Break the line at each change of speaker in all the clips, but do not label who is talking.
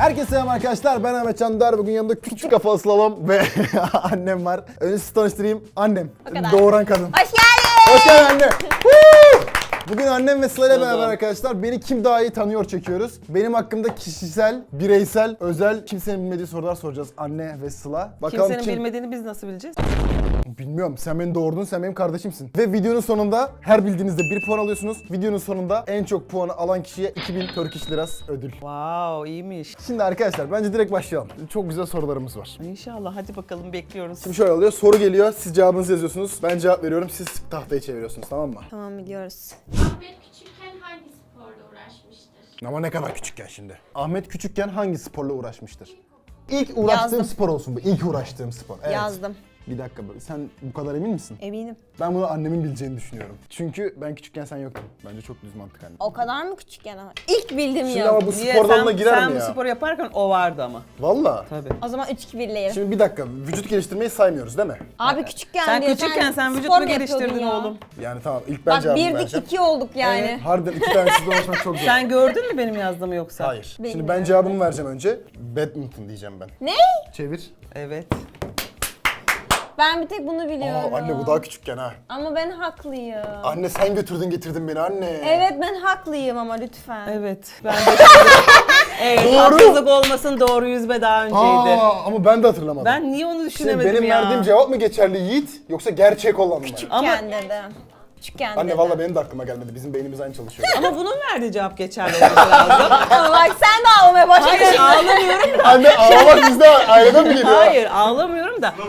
Herkese selam arkadaşlar, ben Ahmet Çandar. Bugün yanımda küçük kafa slalom ve annem var. Önce sizi tanıştırayım. Annem, doğuran kadın.
Hoş geldin.
Hoş geldin anne. Bugün annem ve Sıla ile beraber arkadaşlar Beni Kim Daha İyi Tanıyor çekiyoruz. Benim hakkımda kişisel, bireysel, özel, kimsenin bilmediği sorular soracağız anne ve Sıla. Bakalım
Kimsenin bilmediğini biz nasıl bileceğiz?
Bilmiyorum. Sen beni doğurdun, sen benim kardeşimsin. Ve videonun sonunda her bildiğinizde 1 puan alıyorsunuz. Videonun sonunda en çok puanı alan kişiye 2000 Turkish Liras ödül.
Wow, iyiymiş.
Şimdi arkadaşlar bence direkt başlayalım. Çok güzel sorularımız var.
İnşallah, hadi bakalım, bekliyoruz.
Şimdi şöyle oluyor, soru geliyor, siz cevabınızı yazıyorsunuz. Ben cevap veriyorum, siz tahtayı çeviriyorsunuz, tamam mı?
Tamam, biliyoruz.
Ahmet küçükken hangi sporla uğraşmıştır?
Ama ne kadar küçükken şimdi? Ahmet küçükken hangi sporla uğraşmıştır? İlk uğraştığım
Yazdım.
spor olsun bu, ilk uğraştığım spor. Evet.
Yazdım.
Bir dakika, sen bu kadar emin misin?
Eminim.
Ben bunu annemin bileceğini düşünüyorum. Çünkü ben küçükken sen yoktun. Bence çok düz mantık anne.
O kadar mı küçükken ama? İlk bildim
Şimdi
ya.
ama bu
Niye?
spor dalına girer
sen
mi ya?
bu spor yaparken o vardı ama.
Valla.
Tabii.
O zaman 3-2 birleyelim.
Şimdi bir dakika, vücut geliştirmeyi saymıyoruz değil mi?
Abi küçükken
Sen
diyor,
küçükken sen vücut
spor
mu
yapıyordun
geliştirdin
ya?
oğlum?
Yani tamam, ilk ben
Bak
cevabımı
1'dik
vereceğim.
2 olduk yani.
Harbiden iki tanesiz uğraşmak çok zor.
Sen gördün mü benim yazdığımı yoksa?
Hayır. Şimdi
Bilmiyorum.
ben cevabımı vereceğim önce. Badminton diyeceğim ben.
Ne?
Çevir.
Evet.
Ben bir tek bunu biliyorum.
Aa anne bu daha küçükken ha.
Ama ben haklıyım.
Anne sen götürdün getirdin beni anne.
Evet, ben haklıyım ama lütfen.
Evet. Ben de evet, haksızlık olmasın, doğru yüzme daha önceydi.
Ama ben de hatırlamadım.
Ben niye onu
Şimdi
düşünemedim
benim
ya?
verdiğim cevap mı geçerli Yiğit yoksa gerçek olan mı?
Ama,
Küçükken dedim. Küçükken
Anne
dedim.
valla benim de aklıma gelmedi. Bizim beynimiz aynı çalışıyor.
ama bunun verdiği cevap geçerli olması lazım.
Ama bak sen de ağlamaya başladın.
Hayır, ağlamıyorum da.
Anne ağlamak bizde aileden mi geliyor?
Hayır, ağlamıyorum da.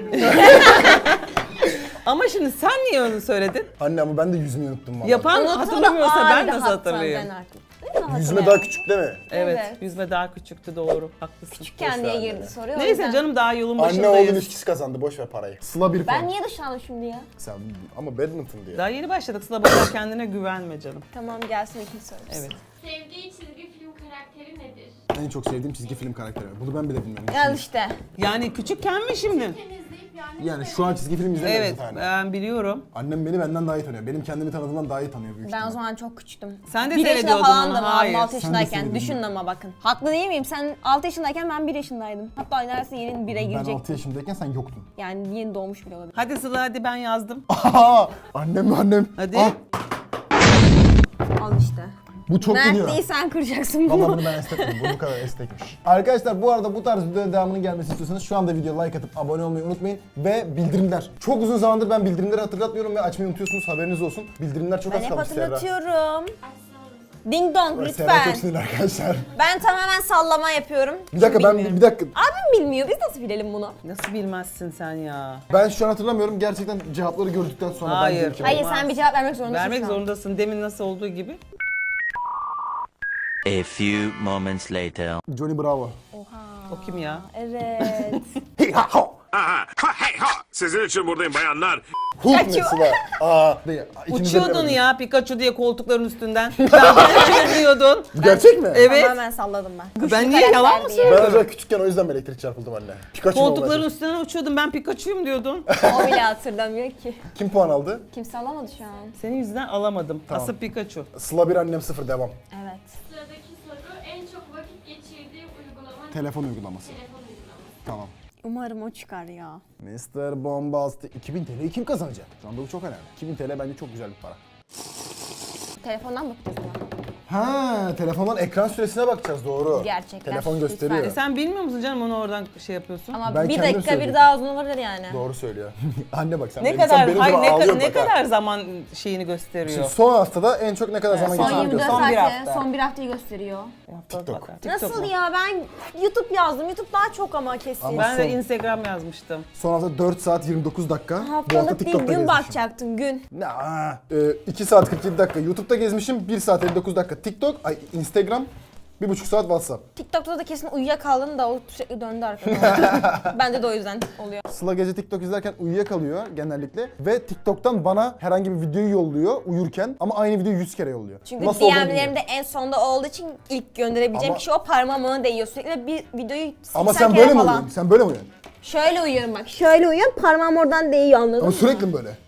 Ama şimdi sen niye onu söyledin?
Anne ama ben de yüzmeyi unuttum valla.
Yapan
Unuttum da
hatırlamıyorsa ben
ağrıdı
nasıl
hatta,
hatırlayayım?
Ben artık.
Yüzme daha küçük değil mi?
Evet,
Evet.
yüzme daha küçüktü, doğru. Haklısın.
Küçükken diye girdi soruyor. o
Neyse
yüzden.
canım, daha yolun
Anne
başındayız.
oğlum ilişkisi kazandı. Boş ver parayı. Sıla bir puan.
Ben niye dışlandım şimdi ya?
Sen ama badminton diye.
Daha yeni başladık. Sıla bakar, kendine güvenme canım.
Tamam, gelsin ikinci sorumuz.
Evet.
Sevdiği çizgi film karakteri nedir?
En çok sevdiğim çizgi film karakteri. Bunu ben bile bilmiyorum.
Gel işte.
Yani küçükken mi şimdi?
Temizleyip yani...
Yani şu an çizgi film izlemiyoruz
Evet,
zaten.
ben biliyorum.
Annem beni benden daha iyi tanıyor. Benim kendimi tanıdığımdan daha iyi tanıyor büyük
Ben o
ihtimal.
zaman çok küçüktüm.
Sen de
1 yaşında
seyrediyordun
falan
onu,
da
hayır.
6
Sen de
yaşındayken.
seyrediyordun.
Düşün ama bakın. Haklı değil miyim? Sen 6 yaşındayken ben 1 yaşındaydım. Hatta neredeyse yeni 1'e
Ben
girecektim.
6 yaşındayken sen yoktun.
Yani yeni doğmuş bile olabilir.
Hadi Sıla, hadi ben yazdım.
Aha! Annem.
Hadi.
Ah,
Al işte.
bu çok
Mert
geliyor.
değil, sen kıracaksın
Valla
bunu.
bunu ben estetmedim. Bu kadar estekmiş. Arkadaşlar bu arada bu tarz videoların devamının gelmesini istiyorsanız şu anda videoya like atıp abone olmayı unutmayın. Ve bildirimler. Çok uzun zamandır ben bildirimleri hatırlatmıyorum ve açmayı unutuyorsunuz, haberiniz olsun. Bildirimler çok
Ben
az
hep
kalmış Serra.
hatırlatıyorum.
Açsana.
Ding dong
Serra çok
lütfen.
sinirli arkadaşlar.
Ben tamamen sallama yapıyorum.
Bir dakika
Çünkü bilmiyorum.
bir dakika.
Abim bilmiyor. Biz nasıl bilelim bunu?
Nasıl bilmezsin sen ya?
Ben şu an hatırlamıyorum. Gerçekten cevapları gördükten sonra
Hayır.
ben diyorum ki-
Hayır,
Olmaz.
sen bir cevap vermek zorundasın
Vermek
şu an.
zorundasın. Demin nasıl olduğu gibi.
A few moments later.
Johnny Bravo.
O kim ya?
Evet.
Hey ha ha.
Aha, ha hey ha! Sizin için buradayım bayanlar.
Hulk
Kaçıyor.
mesela. Aa, değil. İkimiz de
Uçuyordun
bilemedik.
ya Pikachu diye koltukların üstünden. Ben Pikachu diyordun.
Bu gerçek mi?
Evet.
Tamamen salladım ben. Güçlü
Ben niye yalan mı
karakter diye.
Ben
söylüyorum?
acaba küçükken o yüzden mi elektrik çarpıldım anne? Pikachu mu
Koltukların
olacak?
üstünden uçuyordum, ben Pikachu'yum diyordun.
O bile hatırlamıyor ki.
Kim puan aldı?
Kimse alamadı şu an.
Senin yüzünden alamadım.
Tamam.
Asıl Pikachu.
Sıla 1 annem 0 devam.
Evet.
Sıradaki soru en çok vakit geçirdiği uygulama
Telefon uygulaması.
telefon uygulaması.
Tamam.
Umarım o çıkar ya.
Mr. Bombastic 2000 TL'yi kim kazanacak? Şu anda bu çok önemli. 2000 TL bence çok güzel bir para.
Telefondan bakacağız ama.
Ha, telefondan ekran süresine bakacağız doğru.
Gerçekler,
Telefon
lütfen.
gösteriyor.
Sen bilmiyor musun canım, onu oradan şey yapıyorsun?
Ama
Ben
bir
kendim
dakika
söyleyecektim.
bir daha uzun olabilir yani.
Doğru söylüyor. Anne bak sen
Ne
benim,
kadar,
sen benim
hayır,
gibi
ne,
ağlıyorsun
ne
bak ha.
kadar zaman şeyini gösteriyor?
Şimdi son haftada en çok ne kadar zaman
son
Son
geçirdiğini
24
Son bir
saatte,
hafta.
son bir haftayı gösteriyor.
TikTok.
Nasıl
mu?
ya, ben YouTube yazdım. YouTube daha çok ama kesin.
Ama
Ben de
son-
Instagram yazmıştım.
Son hafta 4 saat 29 dakika. Bu hafta
Haftalık değil,
TikTok'ta
gün
gezmişim.
bakacaktım, gün.
2 saat 47 dakika YouTube'da gezmişim. 1 saat 59 dakika TikTok, Instagram, 1,5 saat WhatsApp.
TikTok'ta da kesin uyuyakaldın da o sürekli döndü arkada. Bende de o yüzden oluyor.
Sıla gece TikTok izlerken uyuyakalıyor genellikle ve TikTok'tan bana herhangi bir videoyu yolluyor uyurken ama aynı videoyu 100 kere yolluyor.
Çünkü
Nasıl olduğunu
DM'lerimde
bilmiyorum.
en sonda olduğu için ilk gönderebileceğim
Ama-
kişi o, parmağım ona değiyor. Sürekli bir videoyu 80
Ama sen
kere
böyle mi
falan.
uyuyorsun? Sen böyle mi uyuyorsun?
Şöyle uyuyorum bak, şöyle uyuyorum, parmağım oradan değiyor, anladın
Ama
mı?
sürekli mi böyle?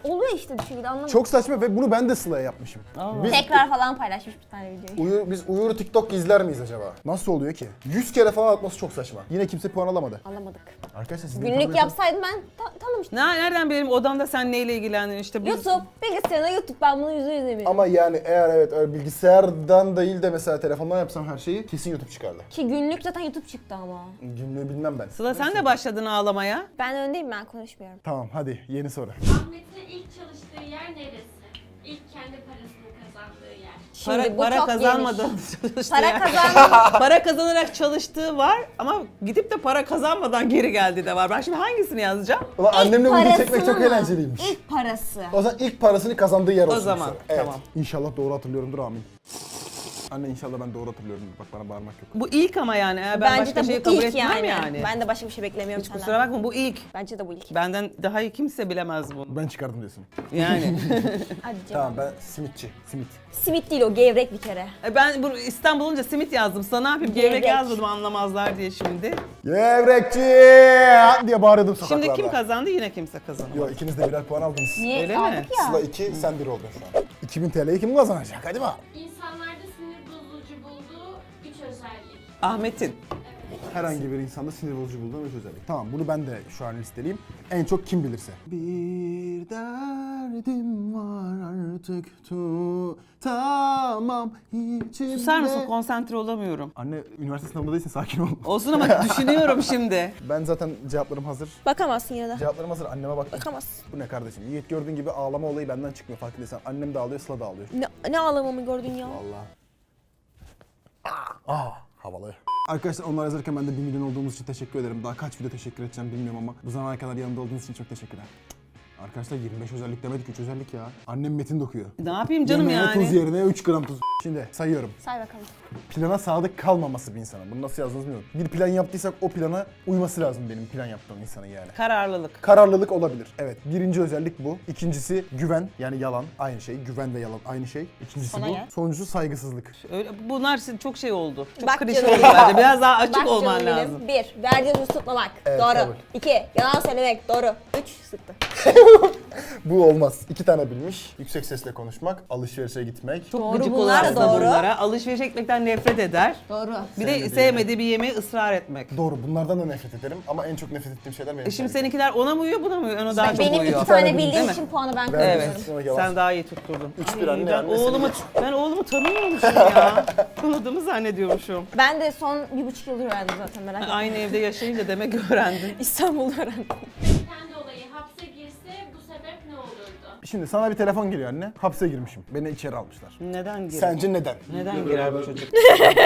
Oluyor işte bir şekilde anlamadım.
Çok saçma ve bunu ben de Sıla'ya yapmışım. Biz,
Tekrar falan paylaşmış bir tane videoyu.
biz Uyur'u TikTok izler miyiz acaba? Nasıl oluyor ki? 100 kere falan atması çok saçma. Yine kimse puan alamadı.
Alamadık.
Arkadaşlar siz
Günlük yapsaydım ben tanımıştım.
Nereden benim odamda sen neyle ilgilendin işte?
YouTube, bilgisayarına YouTube ben bunu yüzde yüz eminim.
Ama yani eğer evet öyle bilgisayardan değil de mesela telefondan yapsam her şeyi kesin YouTube çıkardı.
Ki günlük zaten YouTube çıktı ama.
Günlüğü bilmem ben.
Sıla sen de başladın ağlamaya.
Ben öndeyim, ben konuşmuyorum.
Tamam hadi yeni soru.
Ahmet'in ilk çalıştığı yer neresi? İlk kendi parasını kazandığı yer.
Şimdi bu
Para
çok
kazanmadan
geniş.
çalıştığı
Para
yer.
kazandım.
Para kazanarak çalıştığı var ama gidip de para kazanmadan geri geldiği de var. Ben şimdi hangisini yazacağım?
Ulan annemle video
parasını
çekmek çok
mı?
eğlenceliymiş.
İlk parası.
O zaman ilk parasını kazandığı yer olsun. bu
zaman,
soru. Evet.
tamam.
İnşallah doğru hatırlıyorumdur amin. Anne inşallah ben doğru hatırlıyorum. Bak bana bağırmak yok.
Bu ilk ama yani. Ben
Bence
başka
de
şeyi
bu
kabul
ilk
etmem
yani.
yani.
Ben de başka bir şey beklemiyorum
Hiç
senden.
kusura bakma bu ilk.
Bence de bu ilk.
Benden daha iyi kimse bilemez bunu.
Ben çıkardım diyorsun.
Yani.
Hadi
Tamam
cevap.
ben simitçi. Simit.
Simit değil o, gevrek bir kere.
Ben bu İstanbul olunca simit yazdım. Sana ne yapayım?
Gevrek.
Gevrek yazmadım anlamazlar diye şimdi.
Gevrekçi diye bağırıyordum sokaklarda.
Şimdi kim kazandı? Yine kimse kazanamadı.
Yok ikiniz de birer puan aldınız.
Niye
Öyle mi?
aldık ya?
Sıla 2 sen 1 oldun şu an. 2000 TL'yi kim kazanacak? Hadi bak.
İnsanlarda sinir bozucu bulduğu 3 özellik.
Ahmet'in.
Herhangi bir insanda sinir bozucu bulduğum 3 özellik. Tamam bunu ben de şu an listeleyeyim. En çok kim bilirse. Bir derdim var artık tamam içimde.
Susar mısın? Konsantre olamıyorum.
Anne üniversite sınavında değilsin sakin ol.
Olsun ama düşünüyorum şimdi.
Ben zaten cevaplarım hazır.
Bakamazsın yine de.
Cevaplarım hazır. Anneme baktım.
Bakamazsın.
Bu ne kardeşim? Yiğit gördüğün gibi ağlama olayı benden çıkmıyor farkındaysan. Annem de ağlıyor, Sıla da ağlıyor.
Ne ağlamamı gördün ya?
Vallahi. Havalı. Arkadaşlar onlar yazarken ben de 1 milyon olduğumuz için teşekkür ederim. Daha kaç video teşekkür edeceğim bilmiyorum ama bu zamana kadar yanımda olduğunuz için çok teşekkürler. Arkadaşlar 25 özellik demedik 3 özellik ya. Annem metin dokuyor.
Ne yapayım canım
Yemeğe
yani?
tuz yerine 3 gram tuz. Şimdi sayıyorum.
Say bakalım.
Plana sadık kalmaması bir insanın. Bunu nasıl yazdığınızı bilmiyorum. Bir plan yaptıysak o plana uyması lazım benim plan yaptığım insanın yani.
Kararlılık.
Kararlılık olabilir. Evet. Birinci özellik bu. İkincisi güven. Yani yalan. Aynı şey. Güven ve yalan aynı şey. İkincisi
Sana
bu.
gel.
Sonuncusu saygısızlık.
Öyle, bunlar çok şey oldu. Çok
Bak
klişe
canım
oldu
benim.
bence. Biraz daha açık
Bak
olman
canım
lazım.
benim. 1. Verdiğin sözü tutmamak.
Evet,
Doğru.
kabul.
2. Yalan söylemek. Doğru. 3. Sıktı.
Bu olmaz. 2 tane bilmiş. Yüksek sesle konuşmak. Alışverişe gitmek.
Çok
Doğru,
gıcık
bunlar
olur
da
aslında
doğru.
bunlara. Alışveriş etmekten nefret eder.
Doğru.
Bir de sevmediği bir yemeği ısrar etmek.
Doğru. Bunlardan da nefret ederim. Ama en çok nefret ettiğim şeyler benim.
Şimdi seninkiler ona mı uyuyor buna mı uyuyor? Ona daha çok
Benim
uyuyor.
2 tane
Değil
bildiğim
mi?
için puanı ben
Verdim.
kazanıyorum.
Sonra yalan.
Sen daha iyi tutturdun.
3-1
Ay,
anne,
ben
anne
oğlumu tanımıyormuşum ya. Tanıdığımı zannediyormuşum.
Ben de son 1,5 yıldır öğrendim zaten, merak etme.
Aynı evde yaşayınca demek öğrendin.
İstanbul'da öğrendim.
Kendi olayı hapse girse bu sebep ne olurdu?
Şimdi sana bir telefon geliyor anne. Hapse girmişim. Beni içeri almışlar.
Neden girer?
Sence neden?
Neden girer bu çocuk?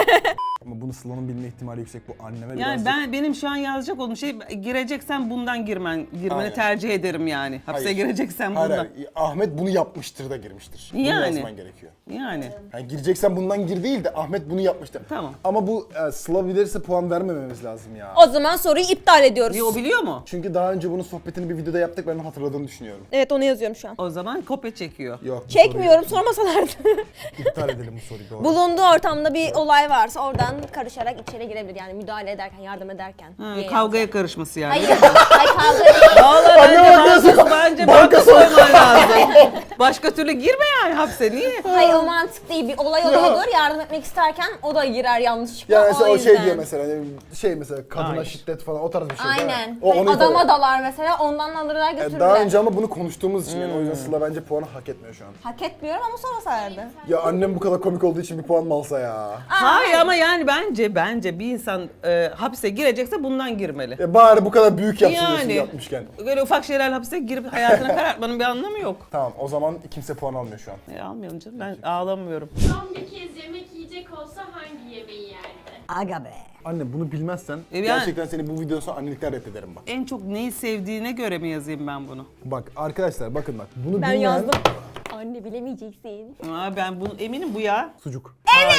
Ama bunu Sıla'nın bilme ihtimali yüksek. Bu anneme
Yani
birazcık...
benim şu an yazacak olduğum şey gireceksen bundan girmeni
Hayır.
tercih ederim yani. Hapse
Hayır.
gireceksen
Hayır,
bundan.
hayır. Ahmet bunu yapmıştır da girmiştir. Bunu
Yani.
yazman gerekiyor.
Yani.
Yani gireceksen bundan gir değil de Ahmet bunu yapmıştır.
Tamam.
Ama bu Sıla bilirse puan vermememiz lazım ya.
O zaman soruyu iptal ediyoruz.
Niye o biliyor mu?
Çünkü daha önce bunun sohbetini bir videoda yaptık, ben onu hatırladığını düşünüyorum.
Evet, onu yazıyorum şu an.
O zaman kopya çekiyor.
Yok. bu
Çekmiyorum, sormasalardı.
soruyu İptal edelim bu soruyu doğru.
Bulunduğu ortamda bir olay varsa oradan karışarak içeri girebilir. Yani müdahale ederken, yardım ederken.
Ha,
diye
kavgaya karışması yani.
Hayır, hayır kavga değil.
Vallahi bence banka soyman lazım. Başka türlü girme yani hapse. Niye?
Hayır, o mantık değil. Bir olay oluyordur, yardım etmek isterken o da girer yanlışlıkla.
Yani mesela o şey
yüzden.
diyor mesela, hani şey mesela kadına
Hayır.
şiddet falan o tarz bir şey. değil mi?
Aynen.
O,
Hani
onu
adama
ifade-
dalar mesela, ondan alırlar götürürler.
Daha önce ama bunu konuştuğumuz için yani o yüzden Sıla bence puanı hak etmiyor şu an.
Hak etmiyorum ama sormasalardı.
Ya annem bu kadar komik olduğu için bir puan mı alsa ya?
Hayır ama yani bence bir insan hapse girecekse bundan girmeli.
Bari bu kadar büyük yapsın diyorsun
Yani.
yapmışken.
Böyle ufak şeylerle hapse girip hayatını karartmanın bir anlamı yok.
Tamam o zaman kimse puan almıyor şu an.
Almayalım canım, ben ağlamıyorum.
Son bir kez yemek yiyecek olsa hangi yemeği yerdi?
Aga be.
Anne bunu bilmezsen
yani-
gerçekten seni bu videodan sonra annelikten reddederim bak.
En çok neyi sevdiğine göre mi yazayım ben bunu?
Bak arkadaşlar bakın bak bunu
Ben
bilmeyen
yazdım. Anne bilemeyeceksin.
Ben bunu eminim bu ya.
sucuk.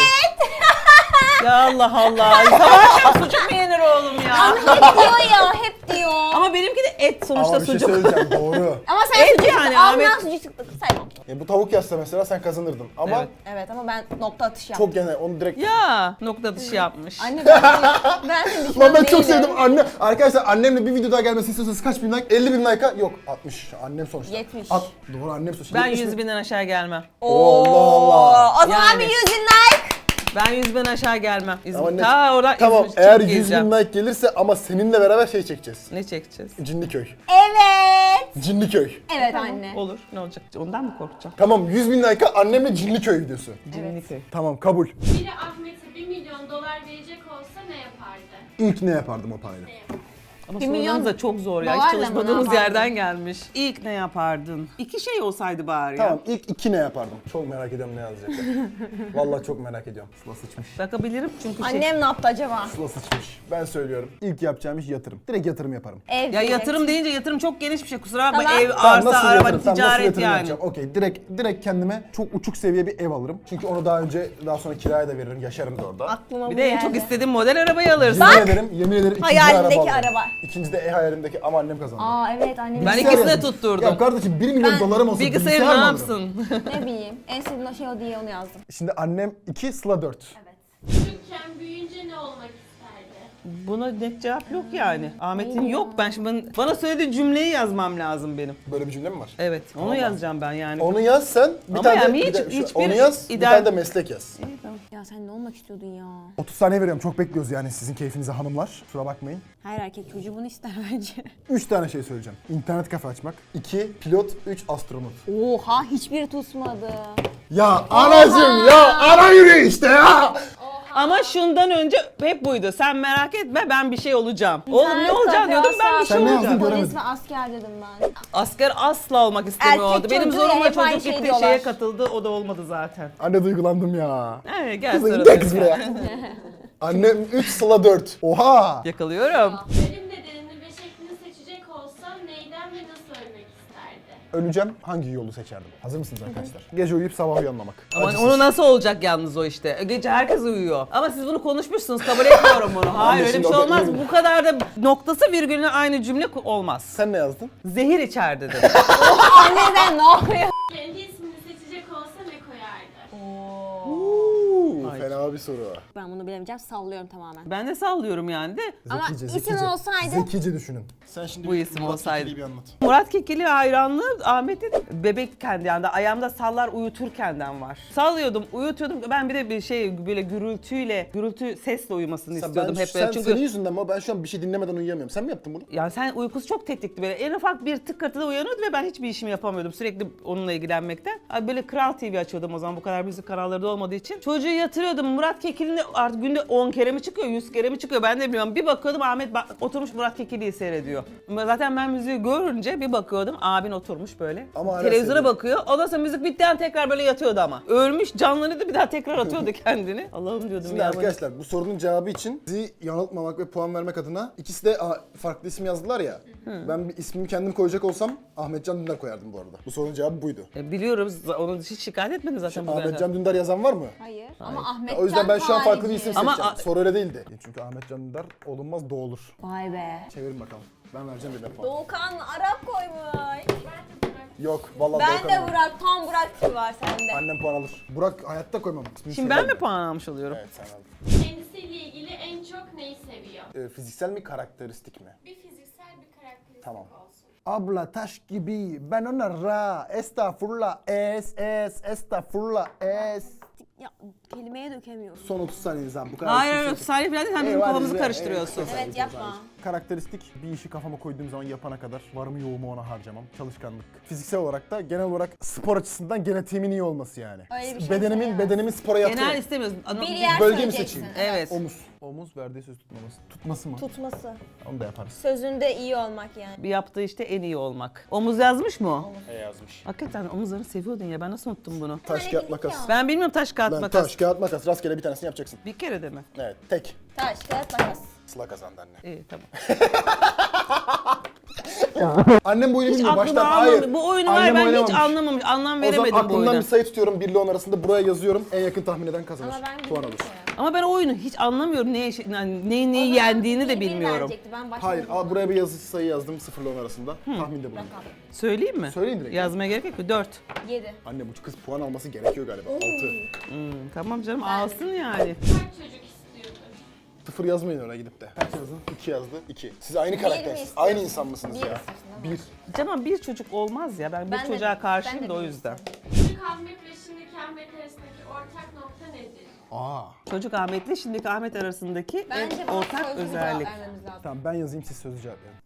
Ya Allah Allah. Sabah sucuk mu yenir oğlum ya?
Hep diyor ya, hep diyor.
Ama benimki de et sonuçta
Ama bir şey
sucuk.
söyleyeceğim doğru.
Ama sen
Et
sucuk
yani
al
Ahmet.
lan sucuk saymam.
Bu tavuk yazsa mesela sen kazanırdın. Ama
Evet.
Evet ama ben nokta atışı yaptım.
çok genel. Onu direkt...
Ya nokta dışı yapmış.
Anne ben de düşman
Lan ben çok
değilim.
sevdim anne. Arkadaşlar annemle bir video daha gelmesini istiyorsanız kaç bin like? 50 bin like'a yok 60. Annem sonuçta.
70.
Doğru annem sonuçta.
Ben
70 bin.
100 binden aşağı gelmem.
Allah Allah.
O zaman
Yani.
bir 100 bin like.
Ben 100 binden aşağı gelmem.
Ama ne-
Ta oradan
Tamam
İzmir
eğer
çıkıp
100
gezeceğim.
bin like gelirse ama seninle beraber şey çekeceğiz.
Ne çekeceğiz?
Cinliköy.
Evet.
Cinliköy.
Evet anne.
Olur. Ne olacak? Ondan mı korkacağım?
Tamam 100 bin like'a annemle Cinliköy videosu.
Cinliköy.
Tamam kabul.
Biri Ahmet'e 1 milyon dolar verecek olsa ne yapardı?
İlk ne yapardım o parayla?
Ne yapardı?
Ama
1
sorularınız
milyon
da çok zor ya.
dolarla
Hiç
mı
çalışmadığımız
ne yapardın?
yerden gelmiş. İlk ne yapardın? İki şey olsaydı bari ya.
Tamam ilk 2 ne yapardım? Çok merak ediyorum ne yazacaklar. Vallahi çok merak ediyorum. Sıla sıçmış.
Bakabilirim çünkü şey...
Annem ne yaptı acaba?
Sıla sıçmış. Ben söylüyorum. İlk yapacağım iş yatırım. Direkt yatırım yaparım.
Ev
Ya
diyecek.
yatırım deyince yatırım çok geniş bir şey. Kusura bakma.
Tamam.
Ev,
Tamam,
arsa, araba,
Tamam, nasıl
ticaret
yatırım
yani.
yapacağım? Okey direkt kendime çok uçuk seviye bir ev alırım. Çünkü onu daha sonra kiraya da veririm. Yaşarım da orada.
Aklıma
Bir
bu
de en çok
geldi.
istediğim model arabayı alırsın.
Yemin ederim ikinci
Hayalindeki
araba alırım.
araba.
İkinci de hayalimdeki ama annem kazandı.
Aa evet annem.
Ben
Bilgisayar
ikisine
yazdım.
tutturdum.
Ya kardeşim 1 milyon
Ben
dolarım olsa
Bilgisayarı
bilgisayar
ne
mı alırım?
yapsın?
Ne bileyim. En sevdiğim şey o diye onu yazdım.
Şimdi annem 2, Sıla 4.
Çocukken büyüyünce ne olmak isterdi?
Buna net cevap yok yani. Ahmet'in yok. Ben şimdi bana söylediği cümleyi yazmam lazım benim.
Böyle bir cümle mi var?
Evet. Onu
Tamam.
yazacağım ben yani.
Onu yaz sen. Bir
Ama
tane
yani
bir de
hiçbir
onu yaz. Bir
ideal-
tane de meslek yaz.
İyi, tamam.
Ya sen ne olmak istiyordun ya?
30 saniye veriyorum. Çok bekliyoruz yani sizin keyfinize hanımlar. Kusura bakmayın.
Her erkek çocuğu bunu ister bence.
3 tane şey söyleyeceğim. İnternet kafe açmak. 2 pilot, 3 astronot.
Oha hiçbiri tutmadı.
Ya anacım ya ana yürü işte ya.
Ama şundan önce hep buydu. Sen merak etme ben bir şey olacağım. Oğlum ne olacağım diyordum ben bir şey
Sen ne yazdın
olacağım.
göremedim.
Polis ve asker dedim ben.
Asker asla olmak istemiyordu.
Erkek
Benim
çocuğuyla
zoruma
hep aynı
çocuk
şey
gitti
diyorlar.
şeye katıldı o da olmadı zaten.
Anne duygulandım ya.
Evet gel
Kızım
sırada.
gel kız buraya. Annem 3, Sıla 4. Oha.
Yakalıyorum.
Ölüm nedenini ve şeklini seçecek olsa neyden ve nasıl ölmek isterdi?
Öleceğim. Hangi yolu seçerdim? Hazır mısınız arkadaşlar? Gece uyuyup sabah uyanmamak.
Ama
Acısız.
onu nasıl olacak yalnız o işte. Gece herkes uyuyor. Ama siz bunu konuşmuşsunuz kabul etmiyorum bunu. Hayır öyle bir
şimdi
şey
o da-
olmaz. Bu kadar da noktası virgülüne aynı cümle olmaz.
Sen ne yazdın?
Zehir içer dedim.
Anneden ne oluyor?
Kendi ismini seçecek olsa ne koyardı?
Ay.
Fena bir soru.
Ben bunu bilemeyeceğim sallıyorum tamamen.
Ben de sallıyorum yani de.
Ama isim olsaydı-
Zekice düşünün. Sen şimdi
Bu isim
Murat
olsaydı.
Kekilli'yi bir anlat.
Murat Kekilli hayranlığı Ahmet'in bebekken yani de ayağımda sallar uyuturkenden var. Sallıyordum, uyutuyordum. Ben bir de bir şey böyle gürültü sesle uyumasını istiyordum hep böyle. Çünkü
Senin yüzünden ama ben şu an bir şey dinlemeden uyuyamıyorum. Sen mi yaptın bunu?
yani sen uykusu çok tetikti böyle. En ufak bir tıkırtıda uyanıyordu ve ben hiçbir işimi yapamıyordum. Sürekli onunla ilgilenmekten. Abi böyle Kral TV açıyordum o zaman bu kadar müzik kanalları da olmadığı için. Çocuğu yatırıyordum. Murat Kekilli'nin artık günde 10 kere mi çıkıyor, 100 kere mi çıkıyor ben de bilmiyorum. Bir bakıyordum Ahmet oturmuş Murat Kekilli'yi seyrediyor. Zaten ben müziği görünce bir bakıyordum abin oturmuş böyle.
Ama hala
Televizyona
seviyor.
bakıyor. Ondan sonra müzik bittiği an tekrar böyle yatıyordu ama. Ölmüş canlanıyordu bir daha tekrar atıyordu kendini. Allah'ım diyordum
Şimdi
ya.
arkadaşlar bu sorunun cevabı için sizi yanıltmamak ve puan vermek adına ikisi de farklı isim yazdılar ya. Ben bir ismimi kendim koyacak olsam Ahmetcan Dündar koyardım bu arada. Bu sorunun cevabı buydu.
Biliyoruz onu hiç şikayet etmedin zaten bugüne kadar.
Ahmetcan Dündar yazan var mı?
Hayır. Ama Ahmet
O yüzden ben şu an farklı bir isim
Ama
seçeceğim.
a-
Soru öyle değildi. Çünkü Ahmetcan Dündar olunmaz doğulur.
Vay be.
Çevirin bakalım. Ben vereceğim bir puan.
Doğukan Arap koymuş.
Yok vallahi
Ben
Doğukan
de
alır.
Burak, tam Burak gibi var sende.
Annem puan alır. Burak hayatta koymam. İsmini
Şimdi ben
söylemem.
mi puan almış oluyorum?
Evet sen aldın.
Kendisiyle ilgili en çok neyi seviyor?
Fiziksel mi karakteristik mi?
Bir fiziksel bir karakteristik
Tamam.
olsun.
Abla taş gibi ben ona ra estağfurullah estağfurullah
Ya kelimeye dökemiyorum.
Son 30 saniyeniz abi bu kadar.
Hayır
isim
yok
seçin.
Salih falan değil sen bizim
Eyvah,
kafamızı
eyvah,
karıştırıyorsun.
eyvah.
Evet yapma.
Karakteristik bir işi kafama koyduğum zaman yapana kadar varımı yoğumu ona harcamam. Çalışkanlık. Fiziksel olarak da genel olarak spor açısından genetiğimin iyi olması yani.
Öyle bir şey
bedenimin spora
Genel
yatırım.
istemiyorsun.
Bir yer
Bölge mi
söyleyeceksin.
seçeyim?
Evet.
Omuz. Omuz verdiği söz tutmaması. Tutması mı?
Tutması.
Onu da yaparız.
Sözünde iyi olmak yani.
Bir yaptığı işte en iyi olmak. Omuz yazmış mı o?
Yazmış.
Hakikaten omuzlarını seviyordun ya ben nasıl unuttum bunu?
Taş kağıt makas.
Ben bilmiyorum taş kağıt
Lan
makas.
taş kağıt makas rastgele bir tanesini yapacaksın.
Bir kere de mi?
Evet tek.
Taş, kağıt, makas.
Sıla kazandı anne.
İyi tamam.
Annem bu oyunu
Hiç
bilmiyor baştan.
aklıma
Hayır.
almadı. Bu oyunu var
Annem
ben hiç
oynamamış.
anlamamış. Anlam
O zaman
veremedim bu
aklımdan
oyuna.
bir sayı tutuyorum 1 ile 10 arasında buraya yazıyorum. En yakın tahmin eden kazanır.
Ama ben
Puan
bildim
alır.
ki.
Ama ben o oyunu hiç anlamıyorum. Neyi yendiğini de bilmiyorum.
Ben
Hayır, buraya bir yazı sayı yazdım 0 ile 10 arasında. Tahminde bulundum.
Söyleyeyim mi?
Söyleyin direkt.
Yazmaya gerek yok mu? 4.
7.
Anne bu kız puan alması gerekiyor galiba. 6.
Tamam canım alsın yani.
Kaç çocuk istiyordur?
0 yazmayın oraya gidip de. Kaç yazdın? 2 yazdı. 2. Siz aynı karaktersiniz. Aynı insan mısınız
Bir
ya?
istiyorsun ama.
1.
Canım bir çocuk olmaz ya. Ben bir çocuğa karşıyım da o yüzden.
Çocuk Ahmet ve şimdiki Ahmet arasındaki ortak nokta nedir?
Aa.
Çocuk Ahmet'le şimdiki Ahmet arasındaki
Bence
en
bana
ortak
sözlü bir
özellik.
cevap vermemiz lazım.
Tamam ben yazayım siz sözlü cevap verin.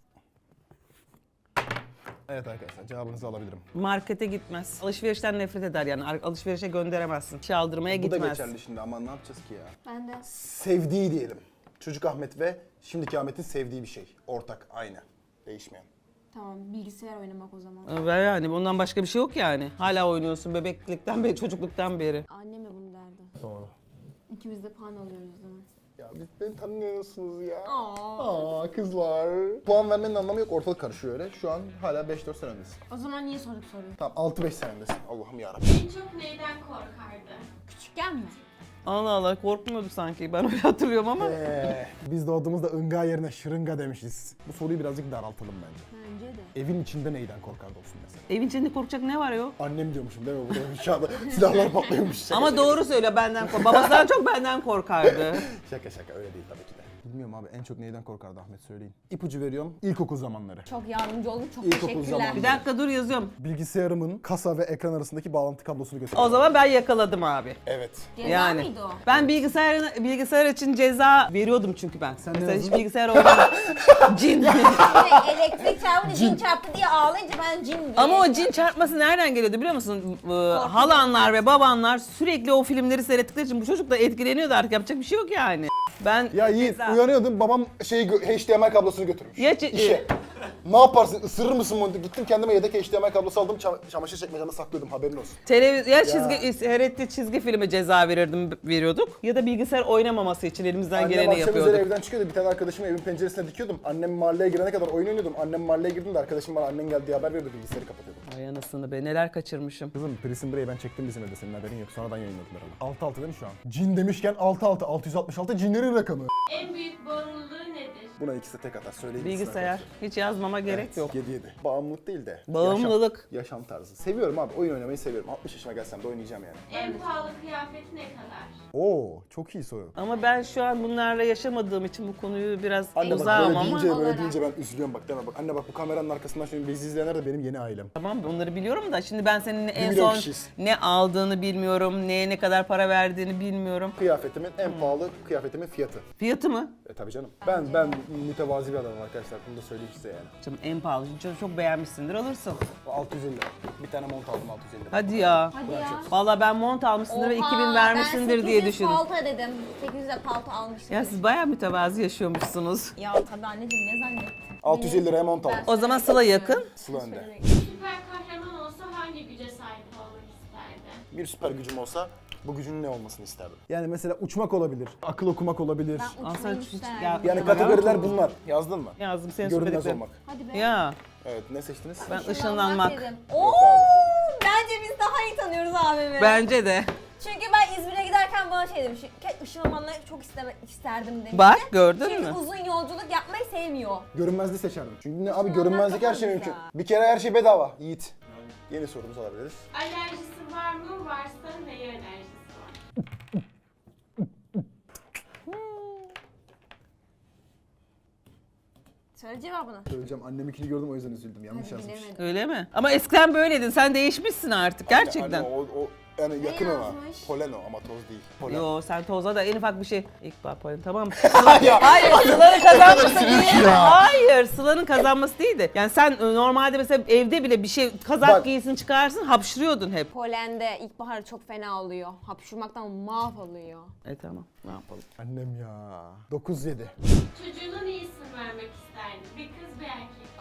Evet arkadaşlar cevabınızı alabilirim.
Markete gitmez. Alışverişten nefret eder yani. Alışverişe gönderemezsin. Çaldırmaya
Bu da
gitmez.
geçerli şimdi ama ne yapacağız ki ya?
Ben de.
Sevdiği diyelim. Çocuk Ahmet ve şimdiki Ahmet'in sevdiği bir şey. Ortak, aynı. Değişmeyen.
Tamam, bilgisayar oynamak o zaman.
Ve yani bundan başka bir şey yok yani. Hala oynuyorsun bebeklikten beri, çocukluktan beri.
Annem de bunu derdi.
Doğru.
İkimiz de puan alıyoruz o zaman.
Ya biz beni tanımıyorsunuz ya.
Aa.
Kızlar. Puan vermenin anlamı yok. Ortalık karışıyor öyle. Şu an hala 5-4 sen öndesin.
O zaman niye sorduk soruyu?
Tamam 6-5 sen öndesin. Allah'ım yarabbim.
En çok neyden korkardı?
Küçükken mi?
Allah Allah korkmuyordu sanki. Ben öyle hatırlıyorum ama.
Biz doğduğumuzda ınga yerine şırınga demişiz. Bu soruyu birazcık daraltalım bence.
Bence de.
Evin içinde neyden korkardı olsun mesela?
Evin içinde korkacak ne var yok?
Annem diyormuşum değil mi? Burada şu anda silahlar patlıyormuş. Şaka,
Ama
şaka.
doğru söylüyor benden kork. Babasından çok benden korkardı.
Şaka öyle değil tabii ki de. Bilmiyorum abi en çok neyden korkardı Ahmet söyleyin. İpucu veriyorum. İlkokul zamanları.
Çok yardımcı oldun, çok
İlkokul
teşekkürler.
zamanı.
Bir dakika dur yazıyorum.
Bilgisayarımın kasa ve ekran arasındaki bağlantı kablosunu götürdüm.
O zaman ben yakaladım abi.
Evet.
Ceza
Yani
mıydı o?
ben bilgisayar için ceza veriyordum çünkü ben.
Sen
Mesela
ne
hiç
yazdın?
bilgisayar oynamadım. Cin.
Elektrik çarpınca cin çarptı diye ağlayınca ben cin diye.
Ama o cin çarpması nereden geliyordu biliyor musun? Halanlar ve babanlar sürekli o filmleri seyrettikleri için bu çocuk da etkileniyordu artık yapacak bir şey yok yani. Ben
Ya Yiğit
ceza-
uyanıyordum babam HDMI kablosunu götürmüş.
Ya
İşe. Ne yaparsın? Isırır mısın bunu? Gittim kendime yedek HDMI kablosu aldım. Çamaşır çekmecemde saklıyordum haberin olsun.
Ya seyrettiği çizgi filme ceza veriyorduk ya da bilgisayar oynamaması için elimizden
Annem
geleni
akşam üzeri
yapıyorduk.
evden çıkıyordu. Bir tane arkadaşımı evin penceresine dikiyordum. Annem mahalleye girene kadar oyun oynuyordum. Annem mahalleye girdiğinde arkadaşım bana annen geldi diye haber veriyordu. Bilgisayarı kapatıyordum.
Ay anasını be neler kaçırmışım.
Kızım Prison Break'i ben çektim bizim evde. Senin haberin yok. Sonradan yayınladılar ama. 6-6 değil mi şu an? Cin demişken 6-6. 666 cinlerin rakamı.
En büyük bağımlılığı nedir?
Buna ikisi de tek atar. Söyleyin.
Bilgisayar. Hiç yazmama gerek yok.
7-7. Bağımlılık değil de.
Bağımlılık.
Yaşam tarzı. Seviyorum abi. Oyun oynamayı seviyorum. 60 yaşıma gelsem de oynayacağım yani.
En pahalı kıyafeti ne kadar?
Oo, çok iyi soru.
Ama ben şu an bunlarla yaşamadığım için bu konuyu biraz
Anne bak
uzağım
böyle
ama.
deyince, böyle
olarak.
deyince ben üzülüyorum bak deme bak. Anne bak bu kameranın arkasından şimdi bizi izleyenler de benim yeni ailem.
Tamam onları biliyorum da şimdi ben senin en
milyon
son
kişiyiz.
ne aldığını bilmiyorum, neye ne kadar para verdiğini bilmiyorum.
Kıyafetimin en pahalı kıyafetimin fiyatı.
Fiyatı mı?
Tabii canım. Ben mütevazi bir adamım arkadaşlar. Bunu da söyleyeyim size yani.
Canım en pahalı. Çünkü çok beğenmişsindir alırsın.
650 lira. Bir tane mont aldım 650 lira.
Hadi ya.
Hadi ya.
Vallahi ben mont almışsındır ve 2000 vermişsindir diye düşündüm.
Ben 800 palto dedim. 800'e palto almıştım.
Ya siz bayağı mütevazi yaşıyormuşsunuz.
Ya tabii anneciğim ne zannettin?
650 liraya mont aldım.
O zaman Sıla yakın.
Sıla önde.
Süper kahraman olsa hangi güce sahip olmak isterdi?
Bir süper gücüm olsa bu gücün ne olmasını isterdim? Yani mesela uçmak olabilir, akıl okumak olabilir.
Ben
Aa, sen
uçmayı
hiç-
isterdim.
ya-
Yani kategoriler bunlar. Yazdın mı?
Yazdım senin
Görünmez
söylediklerin.
olmak.
Hadi be.
Ya
Evet ne seçtiniz?
ben
Işınlanmak
ışınlanmak.
dedim.
Yok
Oo,
abi.
bence biz daha iyi tanıyoruz abimi.
Bence de.
Çünkü ben İzmir'e giderken bana şey demiş. Işınlanmayı çok isterdim demişti.
Bak gördün
Çünkü
mü?
uzun yolculuk yapmayı sevmiyor.
Görünmezliği seçerdim. Çünkü ne abi
Işınlanmak
görünmezlik her
daha
şey
güzel.
mümkün. Bir kere her şey bedava. Yiğit. Yeni sorumuzu alabiliriz.
Alerjisi var mı? Varsa neye alerjisi var?
Söyle cevabını.
Söyleyeceğim anneminkini gördüm o yüzden üzüldüm. Yanlış
Hadi
yazmış.
bilemedim.
Öyle mi? Ama eskiden böyleydin. Sen değişmişsin artık gerçekten.
Anne, o yani yakın ona.
yazmış?
Polen o ama toz değil. Polen.
Yo sen toza da en ufak bir şey. İkbal polen tamam mı?
Ya.
Hayır Sıla'nın kazanması değil. Hayır Sıla'nın kazanması değildi. Yani sen normalde mesela evde bile bir şey kazak
Bak.
giysin çıkarsın hapşırıyordun hep.
Polende ilkbahar çok fena oluyor. Hapşurmaktan mahvoluyor.
Tamam ne yapalım.
Annem ya. 9-7.
Çocuğuna ne isim vermek isterdi? Bir kız bir erkek.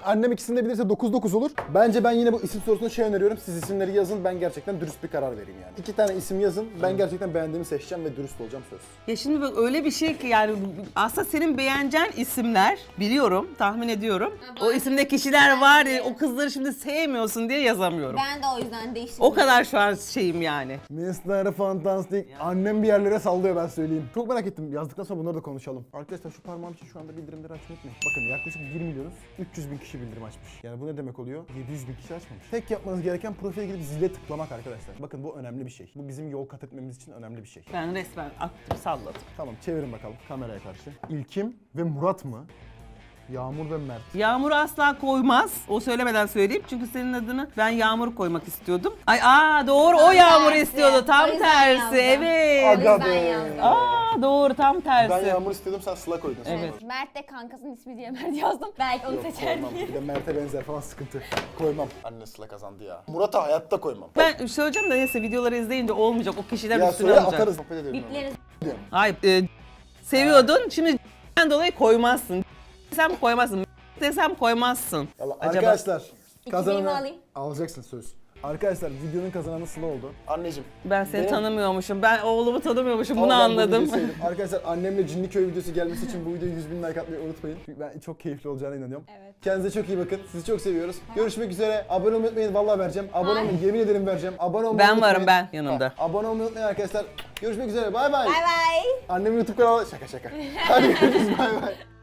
Annem ikisini de bilirse 9-9 olur. Bence ben yine bu isim sorusunda şey öneriyorum. Siz isimleri yazın, ben gerçekten dürüst bir karar vereyim yani. 2 tane isim yazın, ben gerçekten beğendiğimi seçeceğim ve dürüst olacağım söz.
Ya şimdi bak öyle bir şey ki yani aslında senin beğeneceğin isimler biliyorum, tahmin ediyorum. O isimde kişiler var ya o kızları şimdi sevmiyorsun diye yazamıyorum.
Ben de o yüzden değiştirdim.
O kadar şu an şeyim yani.
Mr. Fantastic. Annem bir yerlere sallıyor ben söyleyeyim. Çok merak ettim. Yazdıktan sonra bunları da konuşalım. Arkadaşlar şu parmağım için şu anda bildirimleri açmayı unutmayın. Bakın yaklaşık 1 milyonuz 300 bin kişi bildirim açmış. Yani bu ne demek oluyor? 700 bin kişi açmamış. Tek yapmanız gereken profile gidip zile tıklamak arkadaşlar. Bakın bu önemli bir şey. Bu bizim yol kat etmemiz için önemli bir şey.
Ben resmen attım salladım.
Tamam çevirin bakalım kameraya karşı. İlkim ve Murat mı? Yağmur ve Mert.
Yağmur asla koymaz. O söylemeden söyleyeyim. Çünkü senin adını ben Yağmur koymak istiyordum. Doğru o Yağmur
tersi.
istiyordu. Tam
O yüzden
tersi.
yazdım.
Evet.
Aga
Ben
be.
yazdım.
Doğru tam tersi.
Ben Yağmur istiyordum sen Sıla koydun. sonra.
Evet.
Mert de kankasının ismi diye Mert yazdım. Belki onu
Yok
seçer
koymam.
diye.
Bir de Mert'e benzer falan sıkıntı. Koymam. Anne Sıla kazandı ya. Murat'a hayatta koymam.
Ben söyleyeceğim de neyse videoları izleyince olmayacak. O kişiler
Ya
üstüne
söyle
alacak.
atarız. Sohbet edelim.
Bipleriz.
Hayır. Seviyordun. Şimdi dolayı koymazsın. Desem koymazsın. Desem koymazsın.
Vallahi
Acaba-
arkadaşlar
İki
kazananı
benim alayım.
alacaksın söz. Arkadaşlar videonun kazananı Sıla oldu. Anneciğim.
Ben seni
benim-
tanımıyormuşum. Ben oğlumu tanımıyormuşum.
Ama
Bunu
ben bu
anladım.
videoyu sevdim. Arkadaşlar annemle Cinliköy videosu gelmesi için bu videoya 100 bin like atmayı unutmayın. Çünkü ben çok keyifli olacağına inanıyorum.
Evet.
Kendinize çok iyi bakın. Sizi çok seviyoruz. Görüşmek üzere. Abone olmayı unutmayın. Vallahi vereceğim. Abone olmayı yemin ederim vereceğim. Abone olmayı
Ben
unutmayın.
varım, ben yanımda.
Ha, abone olmayı unutmayın arkadaşlar. Görüşmek üzere. Bay bay.
Bay bay.
Annemin YouTube kanalı. Şaka şaka. Hadi görüşürüz. Bay bay.